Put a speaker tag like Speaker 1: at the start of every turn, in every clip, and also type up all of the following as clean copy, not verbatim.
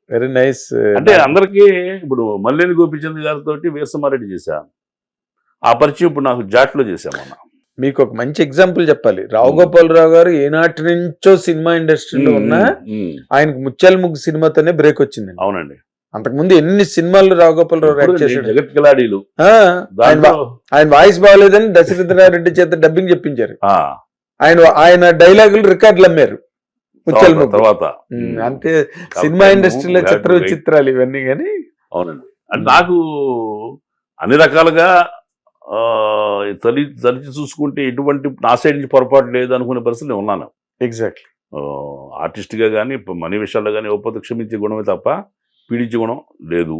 Speaker 1: Very nice.
Speaker 2: అంటే అందరికీ ఇప్పుడు మల్లేని గోపిచంద్ గారితో వీరసమారెడ్డి చేశా, ఆ పరిచయం ఇప్పుడు నాకు జాట్లో చేశాం అన్న.
Speaker 1: మీకు ఒక మంచి ఎగ్జాంపుల్ చెప్పాలి. రావు గోపాలరావు గారు ఏనాటి నుంచో సినిమా ఇండస్ట్రీలో ఉన్నా ఆయనకు ముత్యాల ముగ్గు సినిమాతోనే బ్రేక్ వచ్చింది.
Speaker 2: అవునండి.
Speaker 1: అంతకుముందు ఎన్ని సినిమాలు రావు గోపాలరావు యాక్ట్ చేశాడు.
Speaker 2: జగత్ కిలాడీలు
Speaker 1: ఆయన వాయిస్ బాగోలేదని దశరథరారెడ్డి చేత డబ్బింగ్ చెప్పించారు. ఆయన డైలాగులు రికార్డులు అమ్మారు ముత్యాల ముగ్గు
Speaker 2: తర్వాత.
Speaker 1: అంతే సినిమా ఇండస్ట్రీలో చిత్ర విచిత్రాలు ఇవన్నీ. కానీ
Speaker 2: అవునండి, అంటే నాకు అన్ని రకాలుగా తలిచి చూసుకుంటే ఎటువంటి నా సైడ్ నుంచి పొరపాటు లేదు అనుకునే పరిస్థితి నేను ఉన్నాను.
Speaker 1: ఎగ్జాక్ట్లీ.
Speaker 2: ఆర్టిస్ట్గా కానీ మనీ విషయాల్లో కానీ ఒప్పందం క్షమించే గుణమే తప్ప పీడించే గుణం లేదు.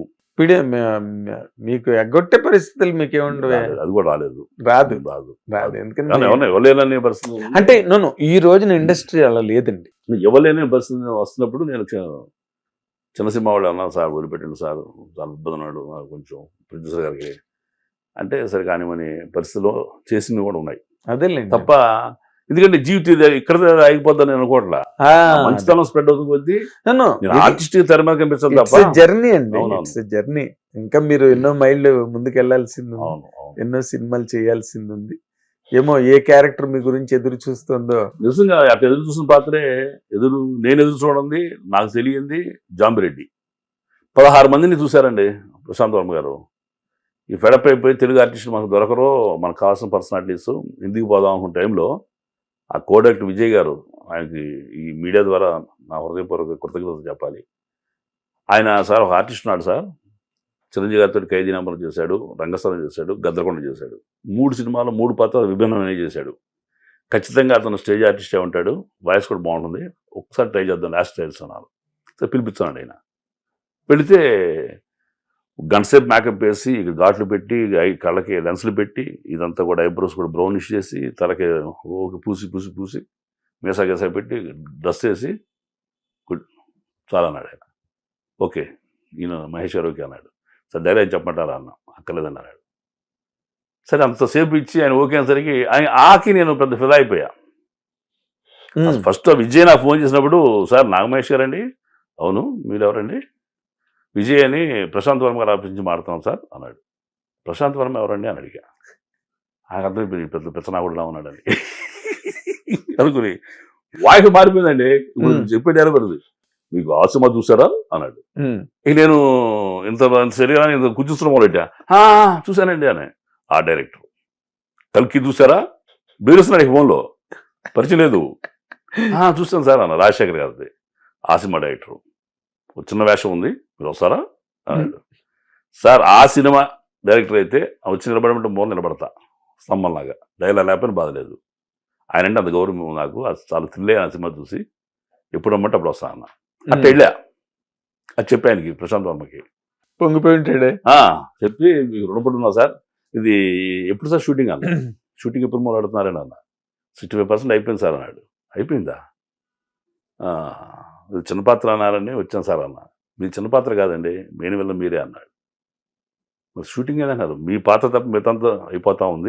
Speaker 1: మీకు ఎగ్గొట్టే పరిస్థితులు మీకేముండవు.
Speaker 2: అది కూడా రాలేదు.
Speaker 1: రాదు.
Speaker 2: ఎందుకంటే ఇవ్వలేననే పరిస్థితి
Speaker 1: అంటే నన్ను ఈ రోజున ఇండస్ట్రీ అలా లేదండి.
Speaker 2: ఇవ్వలేని పరిస్థితి వస్తున్నప్పుడు నేను చిన్న సినిమా వాళ్ళు అన్నా, సార్ వదిలిపెట్టండి సార్, చాలా ఇబ్బంది ఉన్నాడు కొంచెం ప్రొడ్యూసర్ గారికి అంటే, సరే కానివని పరిస్థితిలో చేసినవి కూడా ఉన్నాయి.
Speaker 1: అదేలేండి
Speaker 2: తప్ప ఎందుకంటే జీవితం ఇక్కడ ఆగిపోద్దని నేను అనుకోవట్లా. మంచితనం స్ప్రెడ్ అవుతుంది కొద్దీ ఆర్టిస్ట్ తెర మీద కనిపించదు తప్ప.
Speaker 1: జర్నీ అండి, జర్నీ. ఇంకా మీరు ఎన్నో మైళ్ళు ముందుకు వెళ్లాల్సింది, ఎన్నో సినిమాలు చేయాల్సింది ఉంది. ఏమో ఏ క్యారెక్టర్ మీ గురించి ఎదురు చూస్తుందో.
Speaker 2: నిజంగా అట్లా ఎదురు చూసిన పాత్రే నేను ఎదురు చూడండి. నాకు తెలియంది జాంబిరెడ్డి 16 మందిని చూశారండి ప్రశాంత్ వర్మ గారు. ఈ ఫెడప్ అయిపోయి తెలుగు ఆర్టిస్ట్ మనకు దొరకరో, మనకు కావాల్సిన పర్సనాలిటీస్ ఇంటికి పోదాం అనుకున్న టైంలో ఆ కోడక్టర్ విజయ్ గారు, ఆయనకి ఈ మీడియా ద్వారా నా హృదయపూర్వక కృతజ్ఞతలు చెప్పాలి. ఆయన సార్ ఒక ఆర్టిస్ట్ ఉన్నాడు సార్, చిరంజీవి గారితో ఖైదీ నంబర్ చేశాడు, రంగస్థలం చేశాడు, గద్దరకొండ చేశాడు. 3 సినిమాలు 3 పాత్రలు విభిన్నమైనవి చేశాడు. ఖచ్చితంగా అతను స్టేజ్ ఆర్టిస్టే ఉంటాడు, వాయిస్ కూడా బాగుంటుంది, ఒకసారి ట్రై చేద్దాం లాస్ట్ ట్రైల్స్ అన్నారు. సో పిలిపించాడు. ఆయన పెడితే గంట సేపు మేకప్ వేసి ఘాట్లు పెట్టి కళ్ళకి లెన్స్లు పెట్టి ఇదంతా కూడా ఐబ్రోస్ కూడా బ్రౌనిష్ చేసి తలకి పూసి మీసా గేసా పెట్టి డ్రెస్ వేసి చాలా అన్నాడు ఆయన. ఓకే ఈయన మహేష్ గారు ఓకే అన్నాడు. సరే డైలాగ్ చెప్పమంటారా అన్న, అక్కర్లేదన్నాడు. సరే అంతసేపు ఇచ్చి ఆయన ఓకే అనేసరికి ఆయన ఆకి నేను పెద్ద ఫిదా అయిపోయా. ఫస్ట్ విజయ్ నాకు ఫోన్ చేసినప్పుడు, సార్ నాగమహేష్ గారండి. అవును, మీరెవరండి? విజయ్ అని ప్రశాంత్ వర్మ గారు ఆఫీస్ నుంచి మారుతున్నాం సార్ అన్నాడు. ప్రశాంత్ వర్మ ఎవరండి అని అడిగా. నాకు అర్థం పెద్ద పెచ్చనాగుడులా ఉన్నాడని అనుకుని వాయిస్ మారిపోయిందండి. ఇప్పుడు చెప్పే డైలాగ్ పడుతుంది, మీకు ఆ సినిమా చూసారా అన్నాడు. ఇక నేను ఇంత శరీరాన్ని ఇంత కూర్చుస్తున్న మొదలెట్టా. చూశానండి అని. ఆ డైరెక్టర్ కల్కి చూసారా బీరుస్తున్నాడు ఫోన్లో, పరిచయం లేదు. చూస్తాను సార్ అన్న, రాజశేఖర్ గారిది ఆ సినిమా డైరెక్టరు. చిన్న వేషం ఉంది, మీరు వస్తారా అన్నాడు. సార్ ఆ సినిమా డైరెక్టర్ అయితే వచ్చి నిలబడమంటే మూల నిలబడతా స్తంభంలాగా, డైలాగ్ లేకపోయినా బాధలేదు. ఆయన అంటే అంత గౌరవం నాకు, అది చాలా థ్రిల్ ఆ సినిమా చూసి ఎప్పుడు రమ్మంటే అప్పుడు వస్తా అన్న. అట్లా వెళ్ళా. అది చెప్పి ఆయనకి ప్రశాంత్ వర్మకి
Speaker 1: పొంగిపోయి ఉంటాడే.
Speaker 2: చెప్పి మీకు రుణపడి ఉన్నా సార్, ఇది ఎప్పుడు సార్ షూటింగ్ అన్న. షూటింగ్ ఎప్పుడు మొదలెడుతున్నారని అన్న. 65% అయిపోయింది సార్ అన్నాడు. అయిపోయిందా? చిన్న పాత్ర అన్నారని వచ్చాను సార్ అన్న. మీ చిన్న పాత్ర కాదండి, మెయిన్ వల్ల మీరే అన్నాడు. మరి షూటింగ్ ఏదన్నారు, మీ పాత్ర తప్ప మిగతాంతా అయిపోతా ఉంది.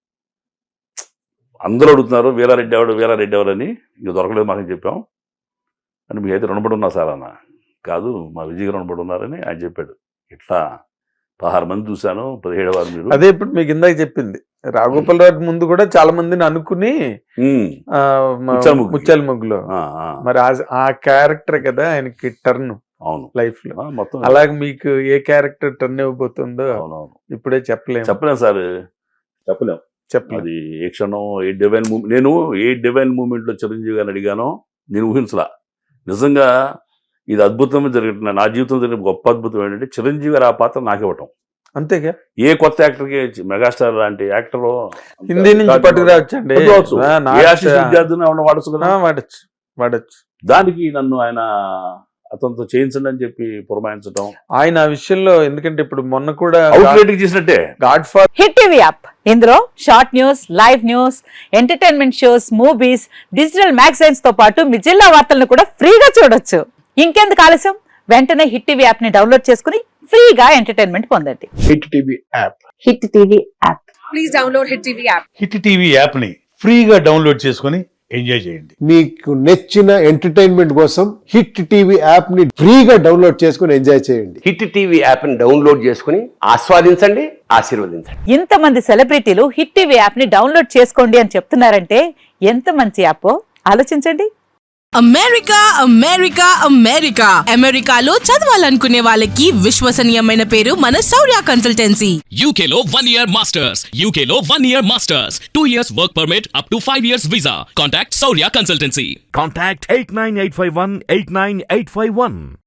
Speaker 2: అందరూ అడుగుతున్నారు వీరారెడ్డి ఎవరు అని. ఇక దొరకలేదు మాకు చెప్పాం అని. మీకైతే రుణపడి ఉన్నా సార్ అన్న. కాదు, మా విజయ్ గారు రుణపడి ఉన్నారని ఆయన చెప్పాడు. ఇట్లా 16 మంది చూశాను, 17వ వారు మీరు.
Speaker 1: అదే ఇప్పుడు మీకు ఇందాక చెప్పింది, రాఘోపాలరావు ముందు కూడా చాలా మందిని అనుకుని ముత్యాల ముగ్గులో మరి ఆ క్యారెక్టర్ కదా ఆయనకి టర్న్.
Speaker 2: అవును,
Speaker 1: లైఫ్ లో మొత్తం. అలాగే మీకు ఏ క్యారెక్టర్ టర్న్ ఇవ్వబోతుందో ఇప్పుడే చెప్పలేము
Speaker 2: సార్, చెప్పలేం. అది ఏ క్షణం ఏ డివైన్ మూమెంట్. నేను ఏ డివైన్ మూమెంట్ లో చిరంజీవి గారిని అడిగానో నేను ఊహించలా. నిజంగా ఇది అద్భుతంగా జరుగుతున్నా. నా జీవితంలో జరిగిన గొప్ప అద్భుతం ఏంటంటే చిరంజీవి గారు ఆ పాత్ర నాకు ఇవ్వటం.
Speaker 1: అంతేగా,
Speaker 2: ఏ కొత్త యాక్టర్కి మెగాస్టార్ లాంటి యాక్టర్
Speaker 1: హిందీ నుంచి పట్టుకురావచ్చండి,
Speaker 2: వాడచ్చు కదా,
Speaker 1: వాడచ్చు.
Speaker 2: దానికి నన్ను ఆయన అతనితో చేయించండి అని చెప్పి పురమాయించడం
Speaker 1: ఆయన ఆ విషయంలో. ఎందుకంటే ఇప్పుడు మొన్న కూడా
Speaker 2: చేసినట్టే
Speaker 1: godfather
Speaker 3: hit TV app. ఇందులో short news, live news, entertainment shows, movies, digital magazines తో పాటు మీ జిల్లా వార్తలను కూడా ఫ్రీగా చూడొచ్చు. ఇంకెందుకు ఆలస్యం, వెంటనే హిట్ టీవీ యాప్ ని డౌన్లోడ్ చేసుకుని ఫ్రీగా ఎంటర్టైన్మెంట్ పొందండి.
Speaker 1: Hit TV app.
Speaker 3: Hit TV app.
Speaker 4: Please download hit TV app.
Speaker 5: Hit TV app ని ఫ్రీగా డౌన్లోడ్ చేసుకుని
Speaker 4: ఎంజాయ్ చేయండి.
Speaker 5: మీకు నచ్చిన ఎంటర్టైన్మెంట్ కోసం హిట్ టీవీ యాప్ ని ఫ్రీగా డౌన్లోడ్ చేసుకుని ఎంజాయ్ చేయండి.
Speaker 6: హిట్ టీవీ యాప్ ని డౌన్లోడ్ చేసుకుని ఆస్వాదించండి, ఆశీర్వదించండి.
Speaker 3: ఇంతమంది సెలబ్రిటీలు హిట్ టీవీ యాప్ ని డౌన్లోడ్ చేసుకోండి అని చెప్తున్నారంటే ఎంత మంచి యాప్ ఆలోచించండి.
Speaker 7: అమెరికా అమెరికా అమెరికా అమెరికాలో చదవాలనుకునే వాళ్ళకి విశ్వసనీయమైన పేరు మన శౌర్య కన్సల్టెన్సీ.
Speaker 8: UK లో 1 year masters. UK లో 1 year masters. 2 years work permit up to 5 years visa. Contact Saurya Consultancy.
Speaker 4: Contact 89851 89851.